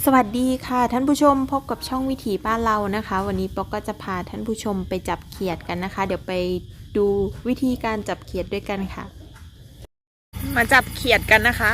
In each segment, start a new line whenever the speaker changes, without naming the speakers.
สวัสดีค่ะท่านผู้ชมพบกับช่องวิถีบ้านเรานะคะวันนี้ป๊อกก็จะพาท่านผู้ชมไปจับเขียดกันนะคะเดี๋ยวไปดูวิธีการจับเขียดด้วยกันค่ะมาจับเขียดกันนะคะ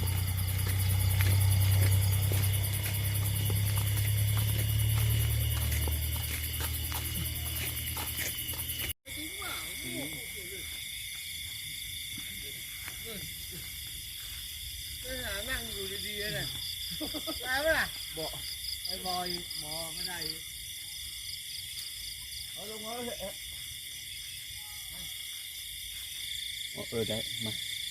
นั่งอยู่ดีๆเลยได้ไหมล่ะบอกไอ้บอยหมอไม่ได้เอาลงมาเลย
ได้มา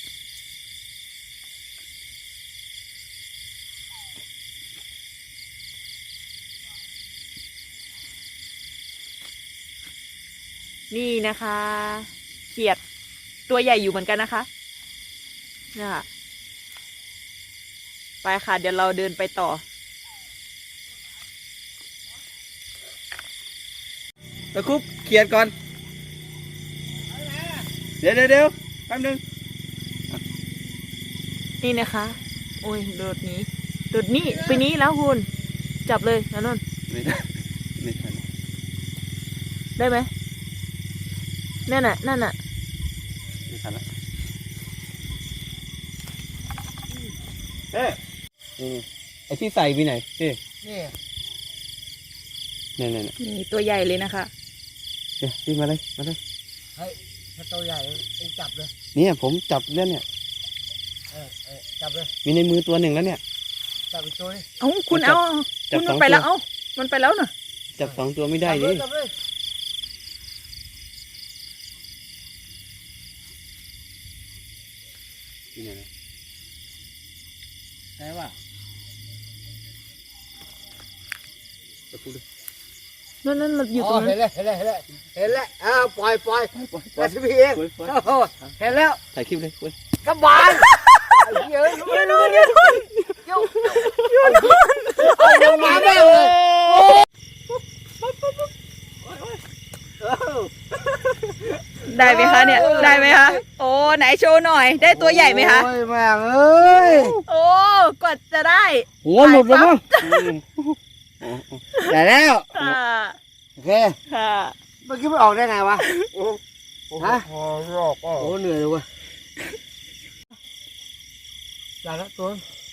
นี่นะคะเขียดตัวใหญ่อยู่เหมือนกันนะคะนี่ค่ะไปค่ะเดี๋ยวเราเดินไปต่อ
ตะคุบเขียดก่อนเดี๋ยวแป๊บนึง
นี่นะคะโอ้ยโดดนี้ไปนี้แล้วคุณจับเลยนะนนท์
ไม่ได้ไม่ทัน
ได้ไหมนั่นน่ะ
ไม่ทันละนี่ไอ้ที่ใส่ไปไหนนี่นี่
นี่ตัวใหญ่เลยนะคะ
เนี่ยพี่มาเลย
เฮ้ยถ้าตัวใหญ่เองจับเลย
เนี่ยผมจับแล้วเนี่ย
จับเลย
มีในมือตัวหนึ่งแล้วเนี่ย
จับอีกตัวนึง
เอ้าคุณเอาคุณมันไปแล้วเอ้ามันไปแล้วน่ะ
จับสองตัวไม่ได้ดิ
จับเลย
นี่ไงนะ
ใช่ป่ะ
ตะคุบเลย
นั่นมันอยู่ตรงนั้น
เห็นแล้วปล่อยมาสิพี่เองเห็นแล้ว
ถ่ายคลิปเลยเว้ย
กระบาลเยอะเอามาแม่เลย
ได้ไหมคะเนี่ยได้ไหมคะโอ้ไหนโชว์หน่อยได้ตัวใหญ่ไหมคะ
โอ้ยแม่เอ้ย
โอ้กว่าจะได้
หัวหลุดแล้วมั้งได้แล้ว
ค่ะ
โอเค
ค่ะ
เมื่อกี้มันออกได้ไงวะฮะ
รอบ
โอ้เหนื่อยเลยเว้ยได้แล้วตัว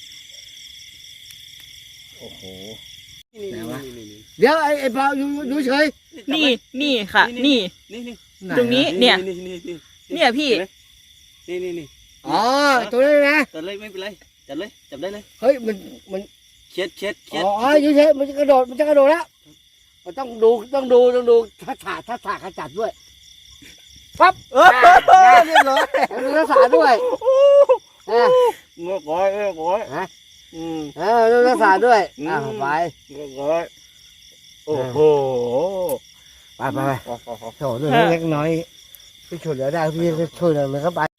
โอ้โห
ไหนวะ เดี๋ยวไอ้เปล่าอยู่เฉย
นี่ค่ะนี่ ตรงนี้เนี่ยเนี่ยพี่
นี่
อ๋อตัวนี้นะ
จับเลยไม่เป็นไรจับเลยจับได้เลย
เฮ้ยมัน
เขียด
อ๋ออยู่เฉยมันจะกระโดดแล้วมันต้องดูทักษะขจัดด้วยปั๊บเรียบร้อยดูทักษะด้วย
งอกร้อย
ฮะดูทักษะด้วยไป
งอกร้อยโอ้โห
ไปโถเรื่องเล็กน้อยพี่ช่วยเหลือได้พี่ก็ช่วยเหลือเข้าไป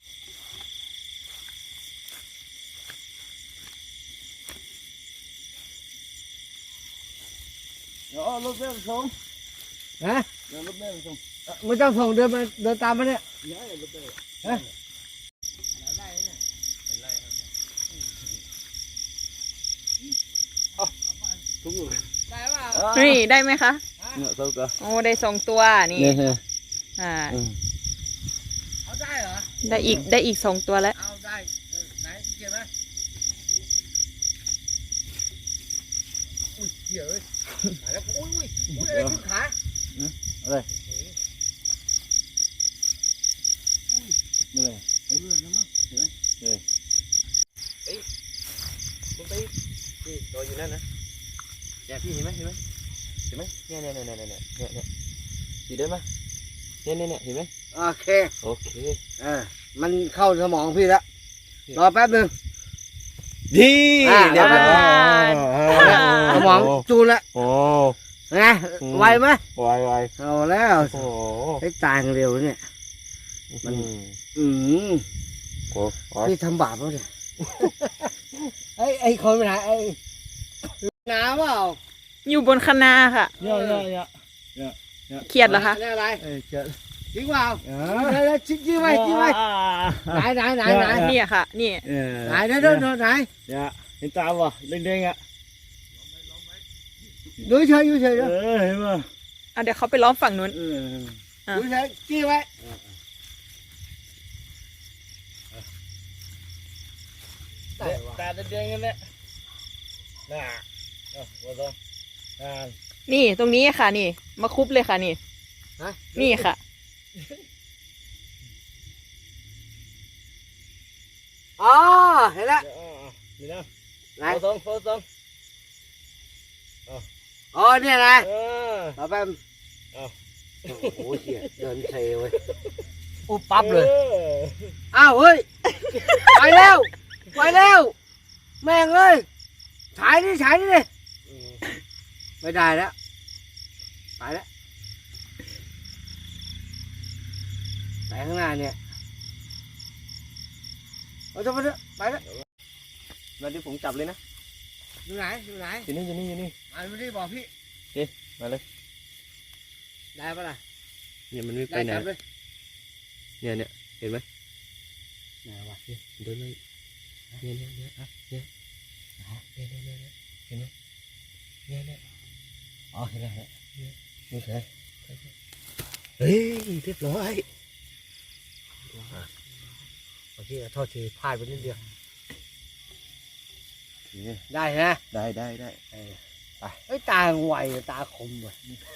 เดี๋ยวรถแม่ส่ง
ฮะ
เดี๋ยวรถแม่ส่ง
ไม่ต้องส่งเดินตามมาเนี่ย
ย้ายรถแม่
ฮะ
ทุก
ได้ป่ะ
นี่ได้ไหมคะ
เนี่ยสุกอ่ะ
โอ้ได้2ตัวนี่
เนี่ย
เอาได้เหรอ
ได้อีก2ตัวแล้ว
เอาได้ไหนเกี่ยวไหมอุ้ยเกี่ยวเลยตายแล้วอุ้ยอะไรขึ้นขา
อะไรไม่เลยเลื่อนแล้วมั้งเห็นไหมเลยคุณไปนี่รออยู่นั่นนะเนี่ยพี่เห็นไหมเนี่ยพี่เดินมาเนี่ยเห็นไหม
โอเค
โอเค
มันเข้าสมองพี่แล้วรอแป๊บนึง
ดีเรียบร้อย
สมองจูนแล้ว
โอ้
ไงไวไหม
ไว
เอาแล้ว
โอ้
ให้ตายเร็วเนี่ยมัน
โอ้
พี่ทำบาปแล้วเนี่ยไอ้คนไปไหนไอ้น้าเปล่า
อยู่บนคะนาค่ะ
เยอะ
เขียดเหรอคะ
นี่อะไร
เจ็ด
จริงเปล่าแล้วจิ้มไว้ไหน
นี่ค่ะนี่
ไหนไหน
เห็นตามวะเด้งๆอ่ะ
ดูเฉยดูเฉย
เห็นป่ะ
เอาเดี๋ยวเขาไปล้อมฝั่งนู้น อ่ะ
ดูเฉยจี้ไว้
ตาเดียงกันแหละน่ะว่าต้อง
นี่ตรงนี้ค่ะนี่ มาคุบเลยค่ะนี่
ฮะ
นี่ค่ะ
อ๋อเห็นแล้ว
นี่นะ
ไหน
โฟตรง
อ๋อเนี่ยนะ ต่อไป
เอา
โอ้โหเหี้ยเดินเซเว้ยปุ๊บปั๊บเลย อ้าวเฮ้ย ไปแล้ว ไปแล้ว แม่งเอ้ยฉายนี่เลยไม่ได้แล้วไปแล้วไปข้างหน้าเนี่ยเอาจะไปเถอะไปแล้ว
มาดิผมจับเลยนะ
อยู่ไหนอยู่ไหน
อยู่นี่
มาไม่ได้บอกพี่
มาเลย
ได้ปะล่ะ
เนี่ยมันไม่ไป
ได้
ไหน
จับเลย
เนี่ยเห็นไหม
ไหนวะ
เดินเลยเนี่ยเห็นไหมเนี่ย
อ๋อเห็นแล้ว
นี่ใช่เฮ้ยเรียบร้อย
โอเคโทษทีพลาดไปนิดเดียวได้ฮะ
ได้
เฮ้ยตาไวตาคมว่ะ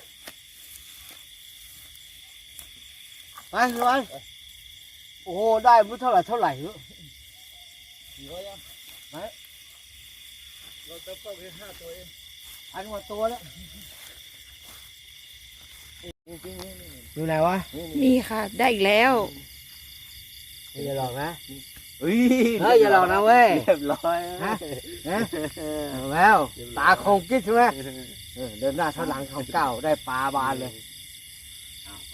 ไปเลยโอ้โหได้ไม่เท่าไหร่เนอะ
เราจะเข้าไป5 ตัวเอง
พันกว่าตัวแล้วอยู่ไหนวะ
นี่ค่ะ ได้อีกแล้ว
อย่าหลอกนะ
เฮ้ย
เฮ้ยอย่าหลอกนะเว้ย
เรียบร้อย
ฮะแล้วตาคงกิ๊ดใช่ไหมเดินหน้าเท่าหลังของเก้าได้ปลาบานเลยไป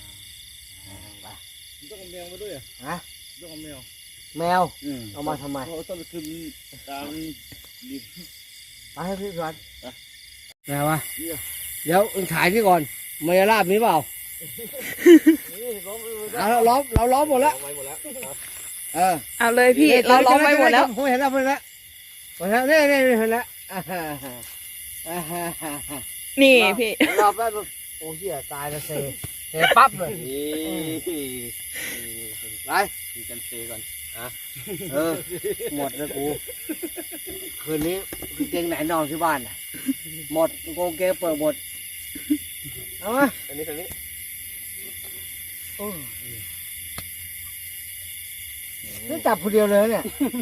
ต้องเอาแมวมาด้วย
ฮะ
ต้องเอาแมว
แมวเอามาทำไม
เขาต้องขึ้นตามดิบ
ไปให้พี่ก่อนแมววะเดี๋ยวอึ่งถ่ายพี่ก่อนมายาลาบมีเปล่า
นี่ล้ม
เราล้อมหมดแล้ว
ไว้หมดแล้ว
เอาเลยพี่ เราล้อมไว้หมดแล้ว
ผมเห็นแล้วนี่เห็นแล้ว
นี่พี่
รอบแล้วโอ้เหี้ยตายแล้วเซปั๊บเลย ไป
มีกันเซก่อน
หมดแล้วกูคืนนี้เกงไหนนอนที่บ้านน่ะหมดกางเกงเปิดหมดเอามา
อันนี้
นี่จับคนเดียวเลยเนี่ย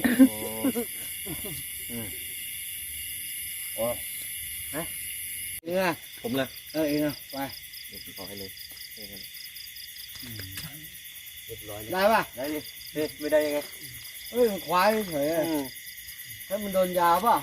เองอะ
ผมละ
เองอะไป
เดี๋ยวผมขอให้เลยเรียบร้อย
ได้ป่ะ
ได้ดิไม่ได้ยังไง
มันควายเฉยถ้ามันโดนยาป่ะ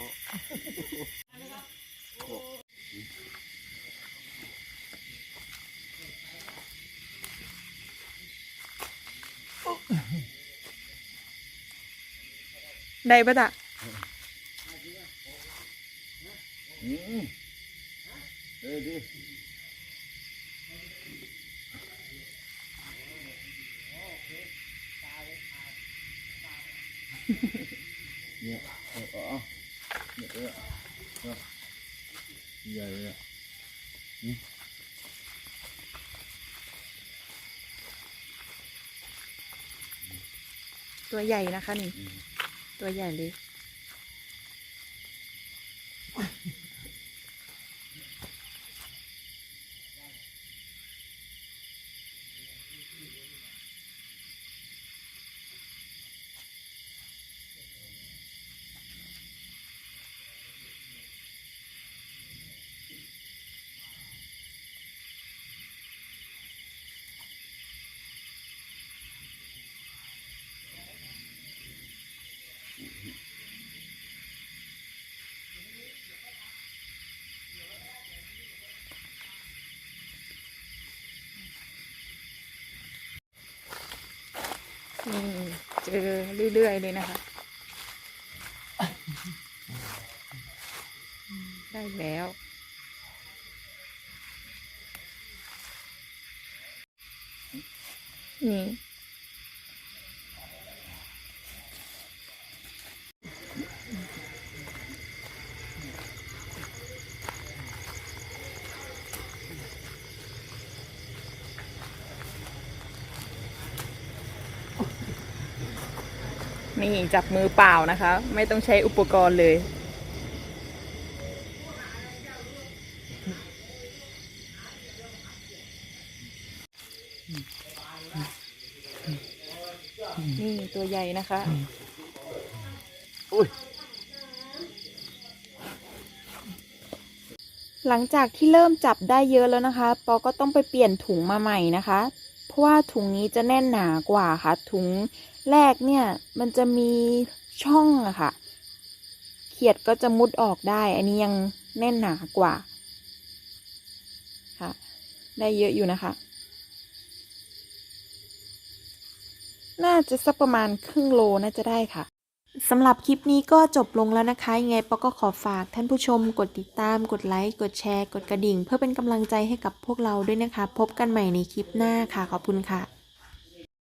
ได้ปะจ๊ะ
ดิ เนี่ยใหญ่เลย
ตัวใหญ่นะคะนี่ ตัวใหญ่เลย นี่เจอเรื่อยๆเลยนะคะ ได้แล้ว นี่นี่จับมือเปล่านะคะ ไม่ต้องใช้อุปกรณ์เลย นี่ตัวใหญ่นะคะ หลังจากที่เริ่มจับได้เยอะแล้วนะคะ ปอก็ต้องไปเปลี่ยนถุงมาใหม่นะคะ เพราะว่าถุงนี้จะแน่นหนากว่าค่ะ ถุงแรกเนี่ยมันจะมีช่องอะค่ะ เขียดก็จะมุดออกได้ อันนี้ยังแน่นหนากว่าค่ะ ได้เยอะอยู่นะคะ น่าจะสักประมาณครึ่งโลน่าจะได้ค่ะ สำหรับคลิปนี้ก็จบลงแล้วนะคะ ยังไงปอก็ขอฝากท่านผู้ชมกดติดตาม กดไลค์ กดแชร์ กดกระดิ่ง เพื่อเป็นกำลังใจให้กับพวกเราด้วยนะคะ พบกันใหม่ในคลิปหน้าค่ะ ขอบคุณค่ะ